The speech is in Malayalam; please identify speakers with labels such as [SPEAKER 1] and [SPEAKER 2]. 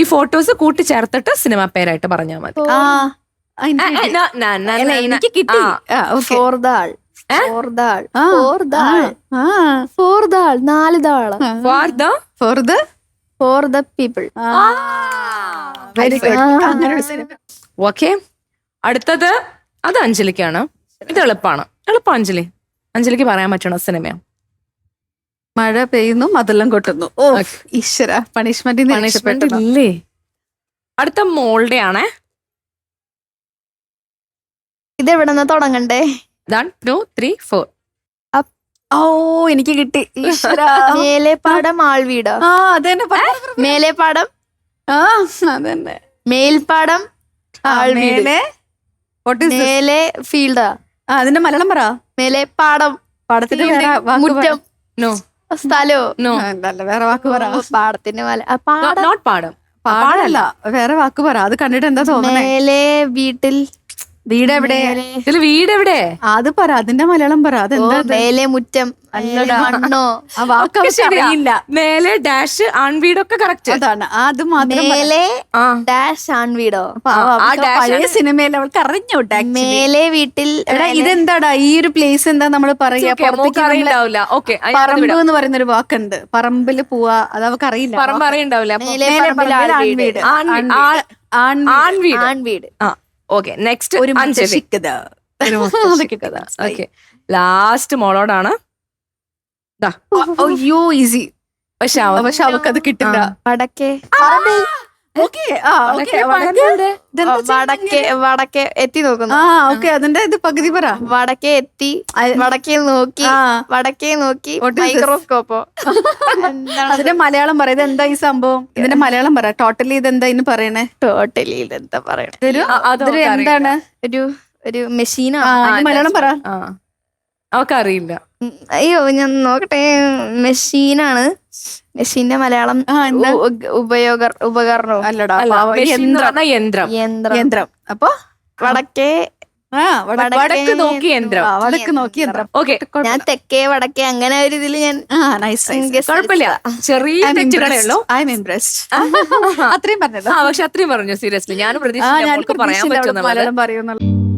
[SPEAKER 1] ഈ ഫോട്ടോസ് കൂട്ടിച്ചേർത്തിട്ട് സിനിമ പേരായിട്ട് പറഞ്ഞാൽ മതി.
[SPEAKER 2] എനിക്ക് കിട്ടി. ഫോർദാൾ, ഫോർദാൾ, ഫോർദാൾ, ഫോർദാൾ, 4 താളം. For the people.
[SPEAKER 3] Very good.
[SPEAKER 1] Okay, അടുത്തത് അത് അഞ്ജലിക്കാണ്. ഇത് എളുപ്പമാണ്. എളുപ്പം അഞ്ജലി. അഞ്ജലിക്ക് പറയാൻ പറ്റണ സിനിമയാ.
[SPEAKER 3] മഴ പെയ്യുന്നു മതെല്ലാം കൊട്ടുന്നു. ഓ ഈശ്വര, പണിഷ്മെന്റ്
[SPEAKER 1] ഇല്ലേ? അടുത്ത മോളുടെ ആണേ.
[SPEAKER 2] ഇത് എവിടെന്നാ തുടങ്ങണ്ടേ?
[SPEAKER 1] 1 2 3 4.
[SPEAKER 3] ഓ എനിക്ക് കിട്ടി. ഈശ്വര.
[SPEAKER 2] മേലെപ്പാടം ആൾവീടോ?
[SPEAKER 3] ആ അതന്നെ.
[SPEAKER 2] മേലെപ്പാടം,
[SPEAKER 3] അതന്നെ.
[SPEAKER 2] മേൽപ്പാടം ആൾവീട്, മേലെ ഫീൽഡാ.
[SPEAKER 3] അതിന്റെ മലയാളം പറ.
[SPEAKER 2] മേലെപ്പാടം,
[SPEAKER 3] പാടത്തിന്റെ വേറെ വാക്ക്
[SPEAKER 2] മുറ്റം,
[SPEAKER 1] നോ
[SPEAKER 2] സ്ഥലോ,
[SPEAKER 1] നോ,
[SPEAKER 3] വേറെ വാക്ക് പറ.
[SPEAKER 2] പാടത്തിന്റെ മല,
[SPEAKER 1] നോട്ട് പാടം.
[SPEAKER 3] പാടല്ല, വേറെ വാക്ക് പറ. അത് കണ്ടിട്ട് എന്താ തോന്നുന്നേ?
[SPEAKER 2] മേലെ വീട്ടിൽ,
[SPEAKER 3] വീട് എവിടെ?
[SPEAKER 1] ഇതില് വീട് എവിടെ?
[SPEAKER 3] അത് പറ, അതിന്റെ മലയാളം പറ. അതെന്താ?
[SPEAKER 2] മേലെ മുറ്റം, മണ്ണോ.
[SPEAKER 3] ആ വാക്ക് അറിയില്ല.
[SPEAKER 1] മേലെ ഡാഷ് ആൺവീടൊക്കെ കറക്റ്റ്.
[SPEAKER 3] അതാണ്, അത് മാത്രം.
[SPEAKER 2] മേലെ ഡാഷ് ആൺവീടോ?
[SPEAKER 3] പഴയ സിനിമയിൽ അവൾക്ക് അറിഞ്ഞോട്ടെ.
[SPEAKER 2] മേലെ വീട്ടിൽ.
[SPEAKER 3] ഇതെന്താടാ ഈ ഒരു പ്ലേസ്? എന്താ നമ്മള് പറയാ? പറമ്പ് എന്ന് പറയുന്ന ഒരു വാക്കുണ്ട്. പറമ്പില് പോവാ, അത് അവൾക്ക് അറിയില്ല.
[SPEAKER 1] പറമ്പ് അറിയണ്ടാവില്ല.
[SPEAKER 2] ആൺവീട്.
[SPEAKER 1] ആൺവീട്. ഓക്കെ, നെക്സ്റ്റ്
[SPEAKER 3] ഒരു
[SPEAKER 1] ലാസ്റ്റ് മോളോടാണ്.
[SPEAKER 3] അയ്യോ ഈസി. പക്ഷെ അവക്കത് കിട്ടില്ല.
[SPEAKER 2] വടക്കേ, വടക്കേ എത്തി നോക്കുന്നു.
[SPEAKER 3] അതിന്റെ ഇത് പകുതി പറ.
[SPEAKER 2] വടക്കേ എത്തി, വടക്കേ നോക്കി, വടക്കേ നോക്കി, മൈക്രോസ്കോപ്പോ.
[SPEAKER 3] അതിന്റെ മലയാളം പറ. ഇതെന്താ ഈ സംഭവം? ഇതിന്റെ മലയാളം പറ. ടോട്ടലി ഇതെന്താ ഇന്ന് പറയണേ?
[SPEAKER 2] ടോട്ടലി ഇതെന്താ പറയണേ?
[SPEAKER 3] എന്താണ്?
[SPEAKER 2] ഒരു മെഷീനാ.
[SPEAKER 3] മലയാളം പറ.
[SPEAKER 1] അവക്കറിയില്ല.
[SPEAKER 2] അയ്യോ ഞാൻ നോക്കട്ടെ. മെഷീനാണ്. മെഷീന്റെ മലയാളം ഉപകരണവും.
[SPEAKER 3] അല്ലടാ,
[SPEAKER 1] യന്ത്രം.
[SPEAKER 3] അപ്പൊ
[SPEAKER 2] വടക്കേ,
[SPEAKER 1] വടക്ക് നോക്കി യന്ത്രം.
[SPEAKER 3] വടക്ക് നോക്കി യന്ത്രം.
[SPEAKER 1] ഓക്കെ,
[SPEAKER 2] ഞാൻ തെക്കേ വടക്കേ അങ്ങനെ ഒരു ഇതില് ഞാൻ
[SPEAKER 1] കുഴപ്പമില്ല. ചെറിയ തെറ്റുകളേ ഉള്ളൂ.
[SPEAKER 3] അത്രയും പറഞ്ഞത്.
[SPEAKER 1] പക്ഷെ അത്രയും പറഞ്ഞു. സീരിയസ്ലി ഞാൻ പ്രതീക്ഷിച്ചു പറയാൻ പറ്റും.
[SPEAKER 3] മലയാളം പറയുന്നുള്ളൂ.